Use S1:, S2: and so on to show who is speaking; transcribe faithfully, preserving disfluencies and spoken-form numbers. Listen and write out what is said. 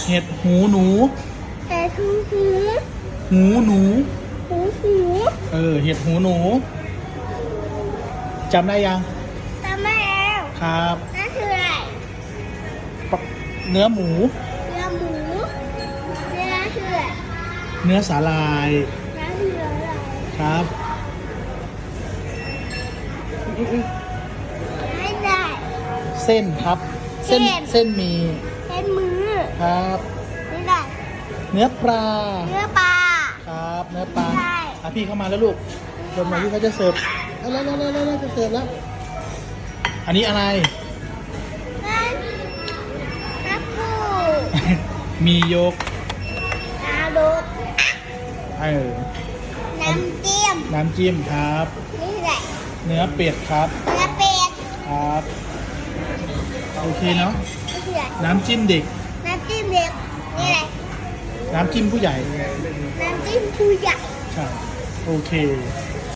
S1: เห็ดหูหนู
S2: เห็ดหูหู
S1: หูหนู
S2: หูหู
S1: เออเห็ดหูหนูจำได้ยัง
S2: จำไม่แล้ว
S1: ครับ
S2: นั่นคืออะไร
S1: ปะเนื้อหมู
S2: เนื้อหมูเนื้อคืออะไร
S1: เนื้อสาลาย
S2: เนื้อคืออะไร
S1: ครับอุ๊ย
S2: ไม่ได้
S1: เส้นครับ เส้น
S2: เส้น
S1: เส้นหมี
S2: เป็นมือ
S1: ครับ
S2: ไม่ได้
S1: เนื้อปลา
S2: เนื้อปลา
S1: ครับ เนื้อปลา
S2: ใช่
S1: อ่ะพี่เข้ามาแล้วลูกจนมาที่เขาจะเสิร์ฟแล้วแล้วแล้วแล้วแล้วจะเสิร์ฟแล้ว อันนี้อะไร
S2: นั่นน้ำปู
S1: มียก
S2: น้ำดุก
S1: เออ
S2: น้ำเจียม
S1: น้ำจิ้มครับ
S2: นี่แหละ
S1: เนื้อเป็ดครับ
S2: เนื้อเป็ด
S1: ครับ โอเคเนาะ
S2: นี่คืออะไร
S1: น้ำจิ้มเด็ก
S2: น้ำจิ้มเด็กนี่แหละ
S1: น้ำจิ้มผู้ใหญ่
S2: น้ำจิ้มผู้ใหญ่
S1: ใช่ โอเค
S2: น